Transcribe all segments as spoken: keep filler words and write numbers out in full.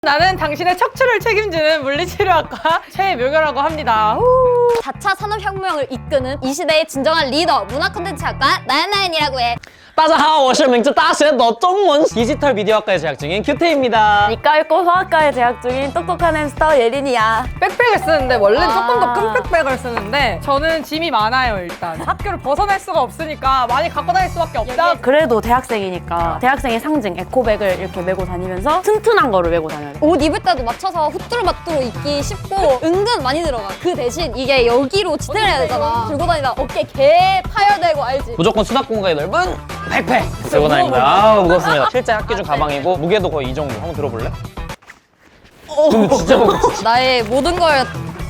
나는 당신의 척추를 책임지는 물리치료학과 최묘결라고 합니다. 후. 사 차 산업혁명을 이끄는 이 시대의 진정한 리더 문화 콘텐츠학과 나연나연이라고 해. 大家好，我是明治大学的中文 디지털 미디어학과에 재학 중인 큐테입니다. 니과 읽고 화학과에 재학 중인 똑똑한 햄스터 예린이야. 백팩을 쓰는데 원래는 아. 조금 더 큰 백팩을 쓰는데 저는 짐이 많아요. 일단 학교를 벗어날 수가 없으니까 많이 갖고 다닐 수밖에 없다. 그래도 대학생이니까 대학생의 상징 에코백을 이렇게 메고 다니면서 튼튼한 거를 메고 다녀야 돼. 옷 입을 때도 맞춰서 후뚜루마뚜루 입기 쉽고 은근 많이 들어가. 그 대신 이게 여기로 지탱을 해야 되잖아. 들고 다니다 어깨 개 파열되고 알지? 무조건 수납 공간이 넓은 백팩 들고 다닙니다. 아 무겁습니다. 실제 학기 중 가방이고 무게도 거의 이 정도. 한번 들어볼래? 근데 진짜 무겁지. 나의 모든 걸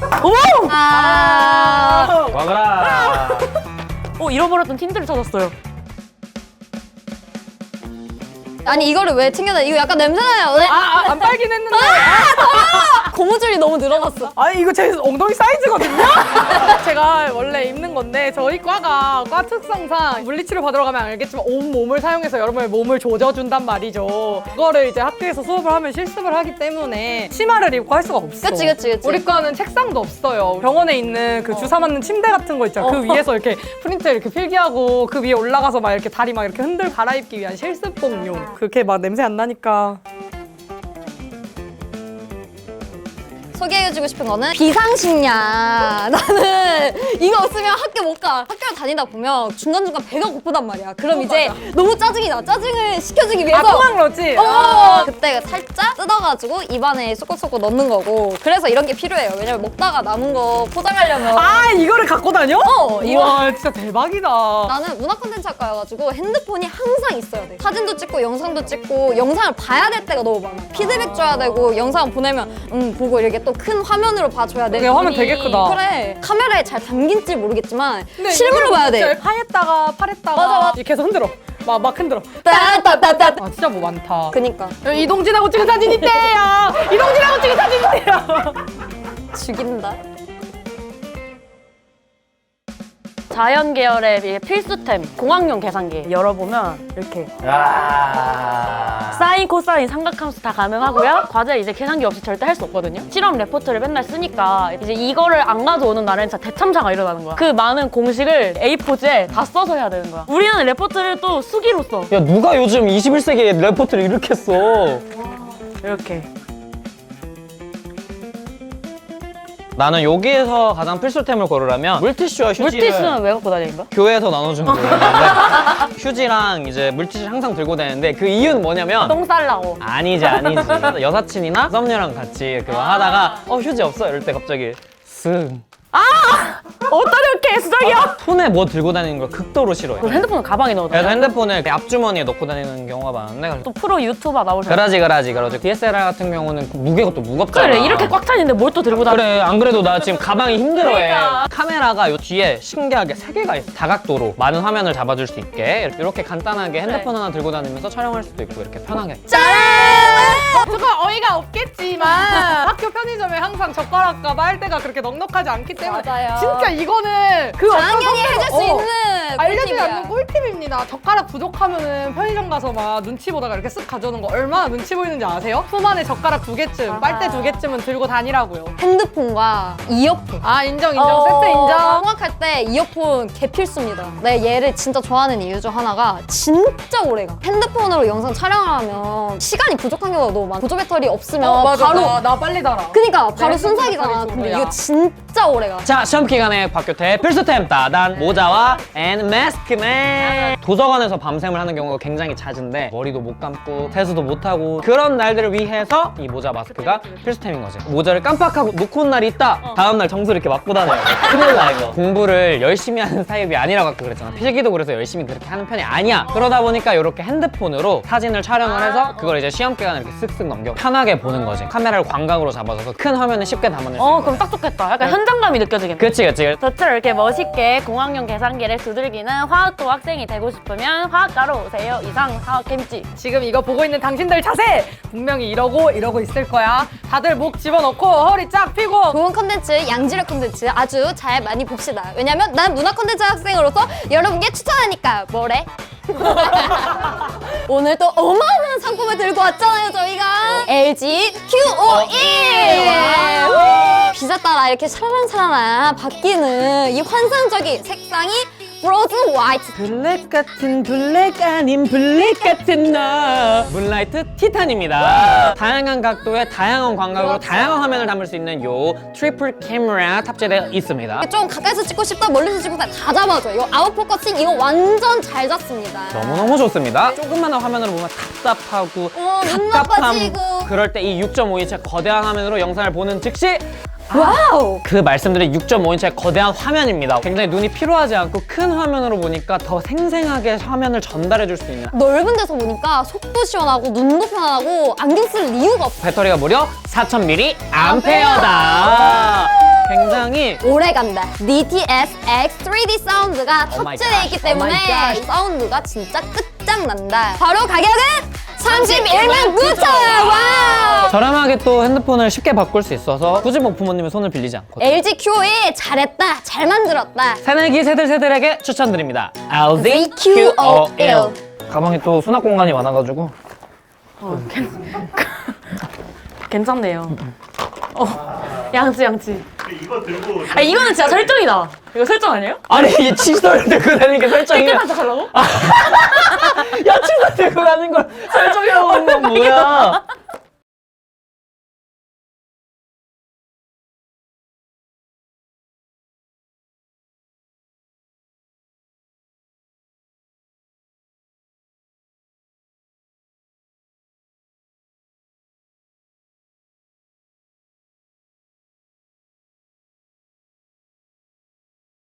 아. 와그라. 어, 잃어버렸던 틴트를 찾았어요. 아니 이거를 왜 챙겨다? 이거 약간 냄새나요. 왜? 아, 아, 안 빨긴 했는데. 고무줄이 너무 늘어났어. 아니 이거 제 엉덩이 사이즈거든요? 제가 원래 입는 건데 저희 과가 과 특성상 물리치료 받으러 가면 알겠지만 온몸을 사용해서 여러분의 몸을 조져준단 말이죠. 그거를 이제 학교에서 수업을 하면 실습을 하기 때문에 치마를 입고 할 수가 없어. 그치, 그치, 그치. 우리 과는 책상도 없어요. 병원에 있는 그 주사 맞는 침대 같은 거 있잖아. 그 위에서 이렇게 프린트 이렇게 필기하고 그 위에 올라가서 막 이렇게 다리 막 이렇게 흔들 갈아입기 위한 실습복용. 그렇게 막 냄새 안 나니까. 소개해주고 싶은 거는 비상식량. 나는 이거 없으면 학교 못 가. 학교를 다니다 보면 중간중간 배가 고프단 말이야. 그럼 어, 이제 맞아. 너무 짜증이 나. 짜증을 식혀주기 위해서. 아, 토막러지? 어, 그때 살짝 뜯어가지고 입안에 쏙쏙쏙 넣는 거고. 그래서 이런 게 필요해요. 왜냐면 먹다가 남은 거 포장하려면. 아, 이거를 갖고 다녀? 어, 이거. 와, 진짜 대박이다. 나는 문화 콘텐츠 학과여가지고 핸드폰이 항상 있어야 돼. 사진도 찍고 영상도 찍고 영상을 봐야 될 때가 너무 많아. 피드백 줘야 되고 영상 보내면 음 보고 이렇게 또 큰 화면으로 봐줘야 돼. 그게 화면 눈이. 되게 크다. 그래. 카메라에 잘 담긴지 모르겠지만 근데 실물로 이거 봐야 진짜 돼. 파했다가 팔했다가 맞아, 맞아. 이렇게 해서 흔들어. 막, 막 흔들어. 따따따따. 아, 진짜 뭐 많다. 그니까 이동진하고 찍은 사진 있대요. 이동진하고 찍은 사진 있대요. 죽인다. 자연 계열의 필수템 공학용 계산기 열어보면 이렇게 야. 사인, 코사인, 삼각함수 다 가능하고요. 과제 이제 계산기 없이 절대 할 수 없거든요. 실험 레포트를 맨날 쓰니까 이제 이거를 안 가져오는 날엔 진짜 대참사가 일어나는 거야. 그 많은 공식을 에이 포지에 다 써서 해야 되는 거야. 우리는 레포트를 또 수기로 써. 야 누가 요즘 이십일 세기에 레포트를 이렇게 써? 이렇게. 나는 여기에서 가장 필수템을 고르라면 물티슈와 휴지를 물티슈는 왜 갖고 다니는 거야? 교회에서 나눠주는 거였는데 휴지랑 이제 물티슈를 항상 들고 다니는데 그 이유는 뭐냐면 똥 쌀라고. 아니지 아니지 여사친이나 썸녀랑 같이 그거 하다가 어 휴지 없어 이럴 때 갑자기 쓱 어떻게 수작이야? 손에 뭐 들고 다니는 걸 극도로 싫어해. 핸드폰을 가방에 넣어. 그래서 핸드폰을 앞주머니에 넣고 다니는 경우가 많은데 그래서 또 프로 유튜버 나오셨어. 그러지 그러지 그러지 디에스엘알 같은 경우는 무게가 또 무겁잖아. 그래 이렇게 꽉 차는데 뭘 또 들고 다녀? 그래 안 그래도 나 지금 가방이 힘들어해. 그러니까. 카메라가 요 뒤에 신기하게 세 개가 있어. 다각도로 많은 화면을 잡아줄 수 있게 이렇게 간단하게 핸드폰 하나 들고 다니면서 촬영할 수도 있고 이렇게 편하게. 조금 어이가 없겠지만 학교 편의점에 항상 젓가락과 빨대가 그렇게 넉넉하지 않기 때문에 맞아요. 진짜 이거는 그 당연히 어떤 해줄 수 어, 있는 알려주지 꿀팁이야. 않는 꿀팁입니다. 젓가락 부족하면은 편의점 가서 막 눈치 보다가 이렇게 쓱 가져오는 거 얼마나 눈치 보이는지 아세요? 품 안에 젓가락 두 개쯤, 빨대 두 개쯤은 들고 다니라고요. 핸드폰과 이어폰. 아 인정 인정 어. 세트 인정. 통학할 때 이어폰 개필수입니다. 내가 얘를 진짜 좋아하는 이유 중 하나가 진짜 오래가. 핸드폰으로 영상 촬영을 하면 시간이 부족한 경우가 너무 많아. 보조 배터리 없으면 어, 맞아 바로 나, 나 빨리 달아. 그니까 바로 내 순삭이잖아. 핸드폰 근데 배터리 이거 진짜 오래가. 자 시험 기간에 박교태 필수템 따단 모자와 앤 마스크맨. 도서관에서 밤샘을 하는 경우가 굉장히 잦은데 머리도 못 감고 세수도 못 하고 그런 날들을 위해서 이 모자 마스크가 필수템인 거지. 모자를 깜빡하고 놓고 온 날이 있다. 다음 날 정수를 이렇게 맞고 다녀요. 큰일 나 이거. 공부를 열심히 하는 타입이 아니라고 아까 그랬잖아. 필기도 그래서 열심히 그렇게 하는 편이 아니야. 그러다 보니까 이렇게 핸드폰으로 사진을 촬영을 해서 그걸 이제 시험 기간에 이렇게 쓱쓱 넘겨 편하게 보는 거지. 카메라를 광각으로 잡아서 큰 화면에 쉽게 담아낼 수 어 있는 그럼 딱 좋겠다. 약간 현장감이 느껴지겠네. 그치 그치. 저처럼 이렇게 멋있게 공학용 계산기를 두들기는 화학도 학생이 되고 싶으면 화학과로 오세요. 이상 화학캠지. 지금 이거 보고 있는 당신들 자세 분명히 이러고 이러고 있을 거야. 다들 목 집어넣고 허리 쫙 펴고 좋은 컨텐츠, 양질의 컨텐츠 아주 잘 많이 봅시다. 왜냐면 난 문화 컨텐츠 학생으로서 여러분께 추천하니까 뭐래? 오늘 또 어마어마한 상품을 들고 왔잖아요, 저희가. 엘지 큐오일! 비자 따라 이렇게 샤라랑샤라랑 바뀌는 이 환상적인 색상이 브로즈 화이트. 블랙 같은 블랙 아닌 블랙 같은 너 문라이트 티탄입니다. 다양한 각도의 다양한 광각으로 다양한 화면을 담을 수 있는 요 트리플 카메라 탑재되어 있습니다. 좀 가까이서 찍고 싶다, 멀리서 찍고 싶다 다 잡아줘요. 이거 아웃포커싱 이거 완전 잘 잡습니다. 너무너무 좋습니다. 조그마한 화면으로 보면 답답하고 어, 눈 답답함 나빠지고. 그럴 때 이 육 점 오 인치의 거대한 화면으로 영상을 보는 즉시 와우! 그 말씀드린 육 점 오 인치의 거대한 화면입니다. 굉장히 눈이 피로하지 않고 큰 화면으로 보니까 더 생생하게 화면을 전달해 줄 수 있는 넓은 데서 보니까 속도 시원하고 눈도 편하고 안경 쓸 이유가 없어. 배터리가 무려 사천 밀리암페어다. 굉장히 오래 간다. 디티에스 엑스 쓰리디 사운드가 Oh my 탑재되어 있기 gosh, oh 때문에 my gosh. 사운드가 진짜 끝장난다. 바로 가격은 삼십일만 구천 원! 와우! 저렴하게 또 핸드폰을 쉽게 바꿀 수 있어서 굳이 뭐 부모님의 손을 빌리지 않고 엘지 큐오일 잘했다, 잘 만들었다. 새내기 세들세들에게 추천드립니다. 엘지 큐오일. 큐오일. 가방에 또 수납 공간이 많아가지고 괜찮네요. 어, 양치 양치. 이거 들고 아 이거는 진짜 설정이다. 이거 설정 아니에요? 아니 이게 칫솔 들고 다니는 게 설정이야. 깨끗한 척 하려고? 야 칫솔 들고 가는 걸